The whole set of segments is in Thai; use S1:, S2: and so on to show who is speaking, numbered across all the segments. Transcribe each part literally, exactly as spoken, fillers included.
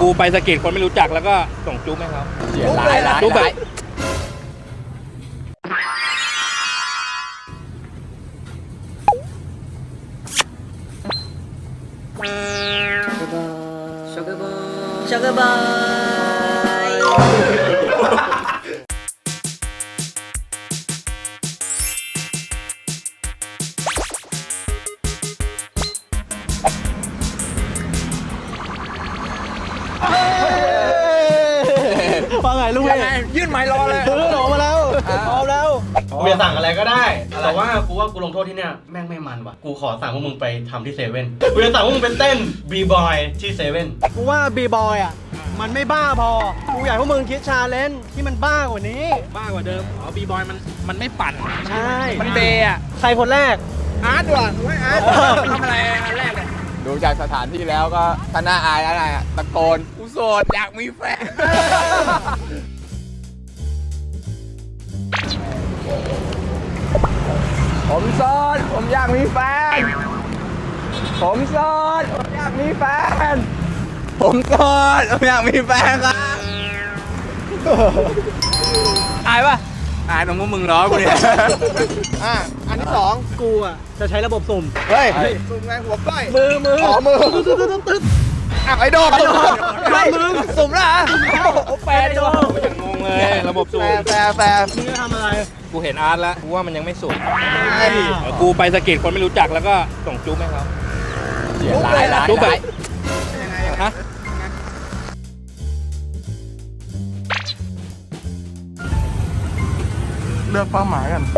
S1: กูไปสะกิดคนไม่รู้จักแล้วก็ส่งจุ๊บให้เขาจุ๊บเลยนะจุ๊บแบบ
S2: ช็อกเกอร์บอยช็อกเกอร์บอย
S3: ว่าไงลูกพี่
S1: ยื่นไม้รอเลย
S3: ซื้อขนมมาแล้วพร้อมแล้ว
S4: กูจะสั่งอะไรก็ได้แต่ว่ากูว่ากูลงโทษที่เนี่ยแม่งไม่มันว่ะกูขอสั่งพวกมึงไปทำที่เซเว่นกูจะสั่งพวกมึงไปเต้นบีบอยที่เซเว่น
S3: กูว่าบีบอยอ่ะมันไม่บ้าพอกูอยากให้พวกมึงคิดชาเลนจ์ที่มันบ้ากว่านี้
S1: บ้ากว่าเดิมอ๋อบีบอยมันมันไม่ปั่น
S3: ใช่
S1: มันเบย์อะ
S3: ใครคนแรก
S1: อาร์ตว่ะไว้อาร์ตทำอะไรอันแรกเนี่ย
S5: ดูจากสถานที่แล้วก็ถ้าน่าอายอะไรอะตะโกนกูโสดอยากมีแฟน ผมโสดผมอยากมีแฟน ผมโสดผมอยากมีแฟน ผมโสดผมอยากมีแฟนครับอายปะอายตรงพวกมึงล้อกูเนี่ย
S3: อ่ะอันที่สองกูอ่ะจะใช้ระบบสุ่ม
S5: เฮ้ยสุ่มไงหัวก้อย
S3: มือมือ
S5: อ๋อมือ
S3: ตึ๊ดตึ๊ดตึ๊ดตึ๊ด
S5: อ่ะไอ้โดด
S3: ไม่มึง
S5: สุ่มแล้วเหรอ
S3: แปดตัว
S1: ยังงงเลยระบบสู
S5: แฟ
S1: บ
S5: ร์แฟร์แฟร์
S3: มึงจะทำอะไร
S1: กูเห็นอาร์ตแล้วกูว่ามันยังไม่สุดเออกูไปสะกิดคนไม่รู้จักแล้วก็ส่งจุ๊บให้เขา
S5: จุ๊บเลยนะ
S1: จุ๊บแบบฮะ
S5: เลือกเป้าหมายกัน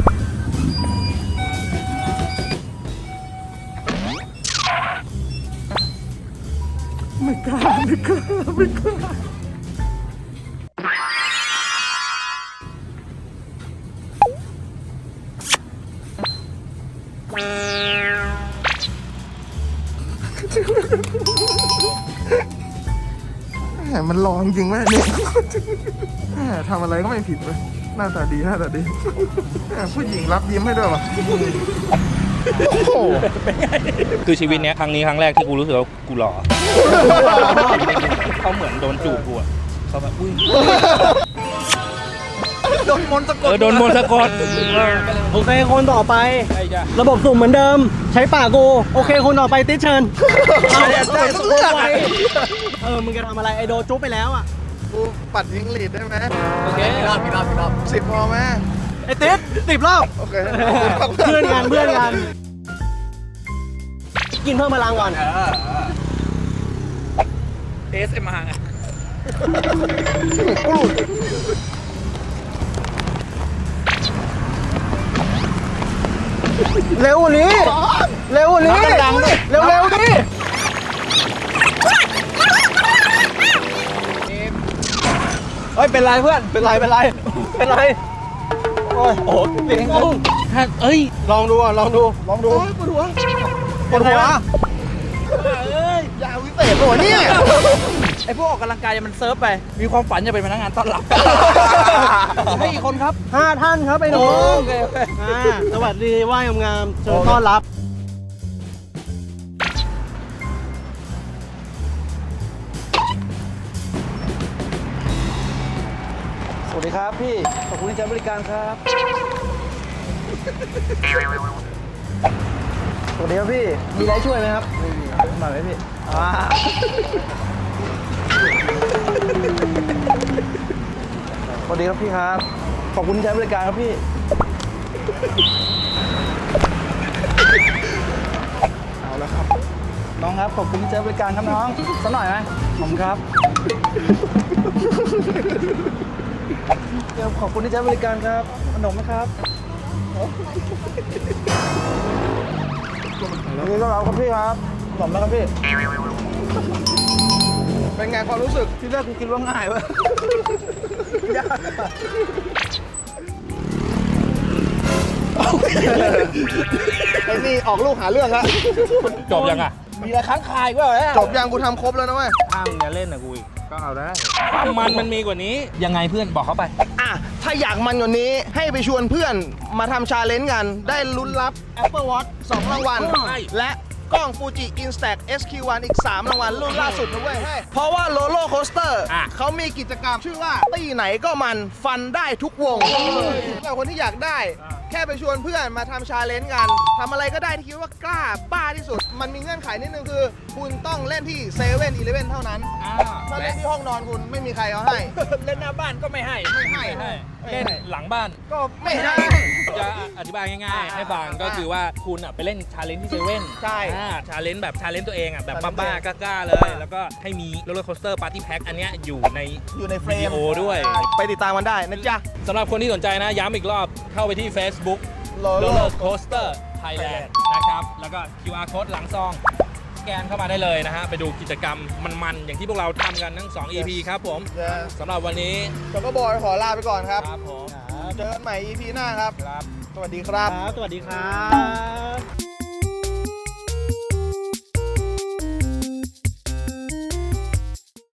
S5: ไม่กล้าไม่กล้าไม่กล้าแหมมันลองจริงไหมเนี่ยแหมทำอะไรก็ไม่ผิดเลยหน้าตาดีหน้าตาดีแหมผู้หญิงรับยิ้มให้ด้วยวะโอ้โห
S1: คือชีวิตเนี้ยครั้งนี้ครั้งแรกที่กูรู้สึกว่ากูหล่อเขาเหมือนโดนจูบกูอะเขาแบบอุ้ย
S5: โดนมนต์สะก
S1: เอ
S5: ด
S1: อโดนมนต์สะกด
S3: โอเคคนต่อไป
S1: ไอ้จ้ะ
S3: ระบบสุ่มเหมือนเดิม ใช้ปากกูโอเคคนต่อไปติดเชิญเอา
S5: ได้สักเรื่องอะ
S3: เออมึงจะทำอะไรไอโดจุ๊บไปแล้วอ่ะ
S5: กูปัดยิงหลีดได้ไหม
S1: โอเค
S5: รอบรอบรอบสิบพอไหม
S3: ไอติดสิบรอบ
S5: โอเค
S3: เพื่อนกันเพื่อนกันกินเพิ่มพลังก่อน
S1: เอสเอ็มอาร์
S3: เร็วกว่านี้เร็วกว่านี้เร็วเร็วๆดิเฮ้ยเป็นไรเพื่อนเป็นไรเป็นไรเป็นไรโอ้ยโอ้โหเสียงกุ้ง
S1: เอ้ย
S3: ลองดูอ่ะลองดูลองดูปวดหัวปวดหัว
S5: ยาวิเศษตัวเนี่ย
S1: ไอพวกออกกำลังกายมันเซิร์ฟไปมีความฝันจะเป็นพนักงานต้อนรับให้อีกคนครับ
S3: ห้าท่านครับไอ้หนู
S1: โอเคโอเค
S3: อ่าสวัสดีไหว้งามๆเชิญต้อนรับสวัสดีครับพี่ขอบคุณที่ใช้บริการครับสวัสดีครับพี่มีอะไรช่วยไหมครับไม่มีมาไหมพี่อ่าสวัสดีครับพี่ครับขอบคุณที่ใช้บริการครับพี่เอาละครับน้องครับขอบคุณที่ใช้บริการครับน้องสักหน่อยไหมผมครับเดี๋ยวขอบคุณที่ใช้บริการครับขนมไหมครับยินดีต้อนรับครับพี่ครับขนมนะครับพี่
S5: เป็นไงความรู้สึก
S3: ที่แรกกูคิดว่าง่ายวะยากอะไอ้นี่ออกลูกหาเรื่องละ
S1: จบยังอ่ะ
S3: มีอะไรค้างคายก็เหรอ
S5: จบยังกูทำครบแล้วนะเว้ย
S1: ถ้ามึงจะเล่นนะกูอีกก็เอาได้ความมันมันมีกว่านี้ยังไงเพื่อนบอกเขาไป
S5: อ่ะ ถ้าอยากมันกว่านี้ให้ไปชวนเพื่อนมาทำชาเลนจ์กัน ได้ลุ้นรับ Apple Watch สองรางวัล
S1: ใช่
S5: และ
S3: กล้อง Fuji Instax เอส คิว วัน อีก สาม รางวัลรุ่นล่าสุดนะเว้ยเฮ้ยเพราะว่าโลโลโคสเตอร์เขามีกิจกรรมชื่อว่าตี้ไหนก็มันฟันได้ทุกวงแต่คนที่อยากได้แค่ไปชวนเพื่อนมาทำชาเลนจ์กันทำอะไรก็ได้ที่คิดว่ากล้าบ้าที่สุด มันมีเงื่อนไขนิดนึงคือ คุณต้องเล่นที่เซเว่นอีเลฟเว่นเท่านั้นถ้าเล่นที่ห้องนอนคุณไม่มีใครเอาให้
S1: เล่นหน้าบ้านก็ไม่ให้
S3: ไม่ให้
S6: เล่นหลังบ้าน
S3: ก็ไม่ให้
S6: จะอธิบายง่ายๆ ให้ฟังก็คือว่าคุณอ่ะไปเล่นชาเลนจ์ที่เซเว่น
S3: ใช่
S6: ชาเลนจ์แบบชาเลนจ์ตัวเองอ่ะแบบบ้าๆกล้าๆเลย แล้วก็ให้มีโรลเลอร์โคสเตอร์ปาร์ตี้แพ็คอันเนี้ยอยู่ใน
S3: อยู่ในเฟร
S6: วิดี
S3: ม
S6: โอด้วย
S3: ไปติดตามมันได้นะจ๊ะ
S6: สำหรับคนที่สนใจนะ ย้ำอีกรอบเข้าไปที่ Facebook
S3: Roller
S6: Roller Coaster Thailand นะครับ แล้วก็ คิว อาร์ Code หลังซอง สแกนเข้ามาได้เลยนะฮะ ไปดูกิจกรรมมันๆ อย่างที่พวกเราทำกันทั้ง สอง อี พี ครับผม
S3: Yes
S6: สำหรับวันนี้
S3: ช็อกโกบอยขอลาไปก่อนครับ
S6: ครับผม
S3: เจอกันใหม่ อี พี หน้าครับ
S6: ครับ
S3: สวัสดีครับ
S4: สวัสดีครับ